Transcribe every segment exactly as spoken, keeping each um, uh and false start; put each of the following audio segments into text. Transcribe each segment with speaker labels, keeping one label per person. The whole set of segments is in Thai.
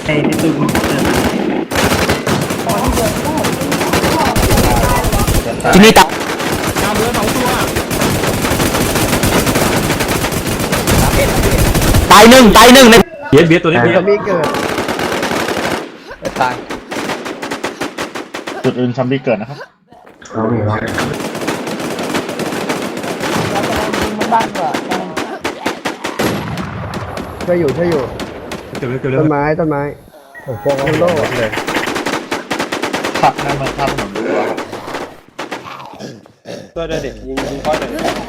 Speaker 1: อ้ในตู้มันเดิน
Speaker 2: ที่นี่ตับ
Speaker 3: ดาวเรือสองตัว
Speaker 2: ตายหนึ่งตายหนึ่งใน
Speaker 3: เบียดเบียดตัวนี้เบียด
Speaker 4: ซัมบี้เกิดตาย
Speaker 5: จุดอื่นซัมบี้เกิดนะครับ
Speaker 4: ช่วยอยู่ช่วยอยู่
Speaker 3: เก็บเลยเก็บเลย
Speaker 4: ต้นไม้ต้นไม้โอ้โหโล่เลย
Speaker 5: ขับนั่นมาข้ามถนนดูว่า
Speaker 6: ตัวเด็กยิงยิงก้อนเลย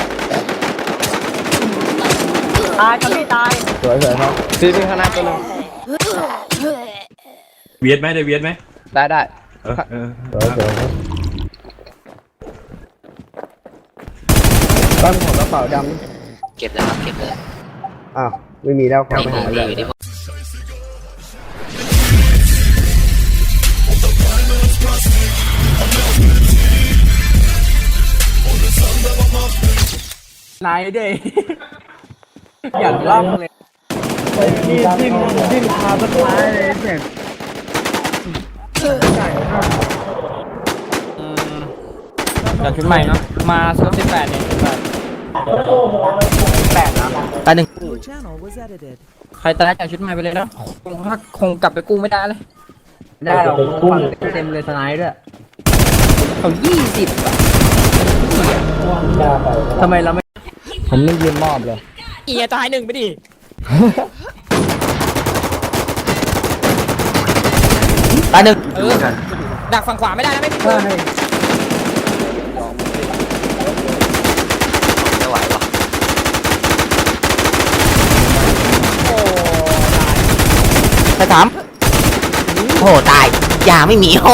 Speaker 7: ตายครับพี่ตาย
Speaker 4: สวยสวยครับ
Speaker 6: ซีซีข้างหน้าตัวนึง
Speaker 3: เบียดไหมได้เบียดไหม
Speaker 6: ได้ได้
Speaker 3: เออเออ
Speaker 4: สวยสวยครับต้นของกระเป๋าดำ
Speaker 2: เก็บแล้วครับเก็บเลย
Speaker 4: อ้าวไม่มีแล้วเข้าไปหาเลย
Speaker 7: นายด้วยอย่างล่องเลยนี่ทิมทิมพาต้นไม้เลยเสียงเดี๋ยวชุดใหม่เนาะมาเซิร์ฟสิบแปดเนี่ยแปดนะ
Speaker 2: ตายหนึ่ง
Speaker 7: ใครตายจากชุดใหม่ไปเลยแล้วคงคงกลับไปกู้ไม่ได้เลยได้เรากู้เต็มเลยสไนด์ด้วยเขายี่สิบทำไมเราไม่
Speaker 4: ผมไม่ยืนมอบเลย
Speaker 7: เอียตายหนึ่งไปดิ
Speaker 2: ตายหนึ่ง
Speaker 7: เออดักฝั่งขวาไม่ได้นะไม่พี่เพื่อน
Speaker 2: ไม่ไหววะไปถามโอ้ตายยาไม่มีโอ้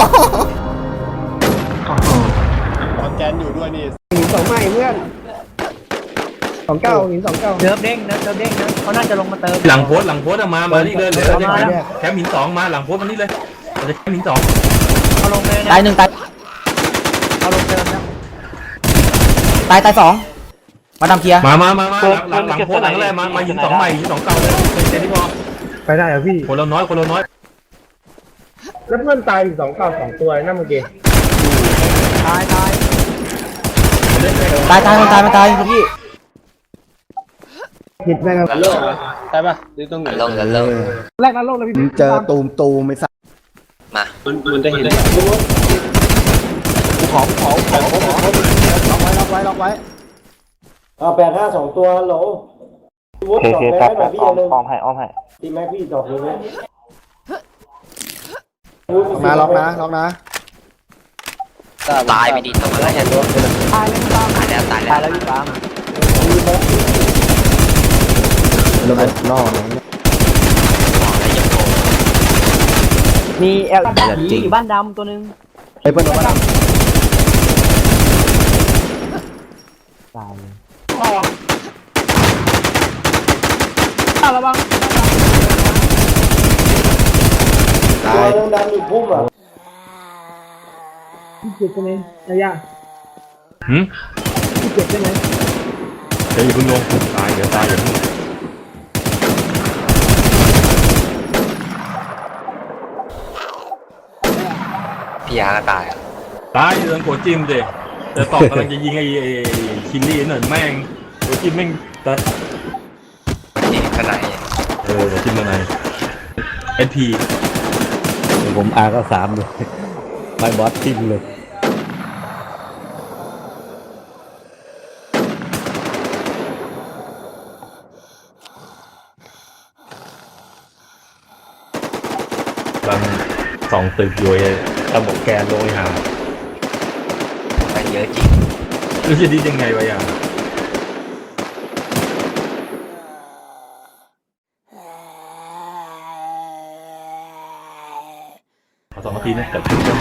Speaker 6: ตอนแกนอยู่ด้วยนี่
Speaker 4: หินสองไม้เพื่อนสองเก้าหินสองเก้า
Speaker 7: เนิร์ฟเด้งเนิร์ฟเด้งนะเขาน่าจะลงมาเติม
Speaker 3: หลังโพสหลังโพสมามานี่เลยเลยแคมป์หินสองมาหลังโพสมานี่เลยเราจะแคมป์หินสอง
Speaker 7: เขาลงเลยนะ
Speaker 2: ตายหนึ่งตาย
Speaker 7: เขาลงเติมนะ
Speaker 2: ตายตายสองมาทำเคลียร์
Speaker 3: มามามามาหลังหลังโพสหลังแรกมามาหินสองใหม่หินสองเก่าเลยเต็มที่พอ
Speaker 4: ไปได้เหรอพี่
Speaker 3: คนเราน้อยคนเราน้อย
Speaker 4: แล้วเพื่อนตายอีกสองเก้าสองตัวนั่นเมื่อกี้
Speaker 7: ตายตาย
Speaker 2: ตายตายมันตายมันตายพี่
Speaker 4: ผิดไปครับ
Speaker 6: โลกใช่ป่ะหรือตรงไหน
Speaker 2: ลงกันลง
Speaker 7: แรกนั้นโลกเลยพี่
Speaker 4: เจอตูมตูมไม่สัก
Speaker 2: มา
Speaker 6: มันมันจะเห็นได้
Speaker 4: ขอขอขอขอขอล็อกไว้ล็อกไว้ล็อกไว้
Speaker 8: เอาแปดห้าสองตัวโหลวุฒิดอกเลยไหมพี่อย่าลืมอ้อมให้อ้อมให้ทีแม็กพี่ดอกเลยไหม
Speaker 4: มาล็อกนะล็อกนะ
Speaker 2: ตายไปดิตรงนั้นเห็นตัวตายแล้วตายแล้วตายแล้วตายแล้วพี่ปาม
Speaker 4: ระเบิดล่อเลย
Speaker 7: มีเอลจีอยู่บ้านดำตัวนึง
Speaker 4: ไอ้เปิ้ลโดนบ้านตายเลย
Speaker 7: อ้าวระวัง
Speaker 4: ตาย
Speaker 8: ตัวดำอยู่พุ่มอ่ะ
Speaker 7: ที่เจ็บใช่ไหมระยะ
Speaker 3: หืม
Speaker 7: ที่เจ็บใช่ไหม
Speaker 3: เดี๋ยวอย่าเพิ่งลงตายเดี๋ยวตายอย่าเพิ่ง
Speaker 2: พี่ยาก็ตายอ่ะ
Speaker 3: ตายเรื่องโกจิ้มเด็แต่ตอบกำลังจะยิงไอ้คินลี่หน่อยแม่งโกจิ้มแม่งแต่
Speaker 2: นี่ขนาด
Speaker 3: เออจิ้มมาไหนเอสพี
Speaker 4: ผมอาก็สามเลยไปบอสทิมเลย
Speaker 3: กำลังสองตึกอยู่ไอ้ตะบกแกนลงไปหา
Speaker 2: ไปเยอะจริง
Speaker 3: รู้จะดียังไงวะยังขอสองนาทีนะแต่ถึงแล้ว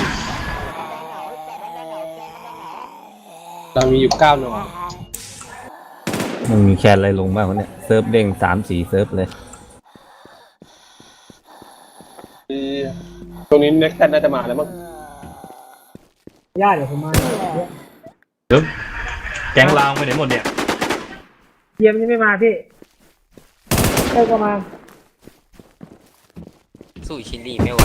Speaker 6: เรามีอยู่เก้าหน่อ
Speaker 9: มันมีแคนอะไรลงบ้างวะเนี่ยเซิร์ฟเด้งสามสี่เซิร์ฟเลย
Speaker 6: ตรงนี้เน็กซ์น่าจะมาแล้วมั้ง
Speaker 7: ย่าเดี๋ยวผมมา
Speaker 3: เดี๋ยวแกงลาวไปไหนหมดเนี่ย
Speaker 7: เยี่ยมยังไม่มาพี่เต้ก็มา
Speaker 2: สู้ชิลลี่ไม่ไหว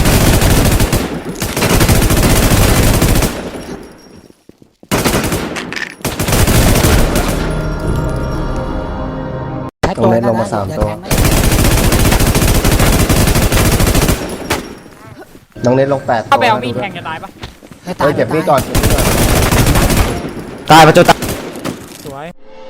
Speaker 8: ตรงเล่นลงมาสามตัวน้องเล่นลงแปดตัว
Speaker 7: เข้าไปเอามีดแทงจะตายปะ
Speaker 8: เฮ้ยเก็บมีดก่อนเก็บมีดก่อน
Speaker 9: ตายประจุตาย
Speaker 7: สวย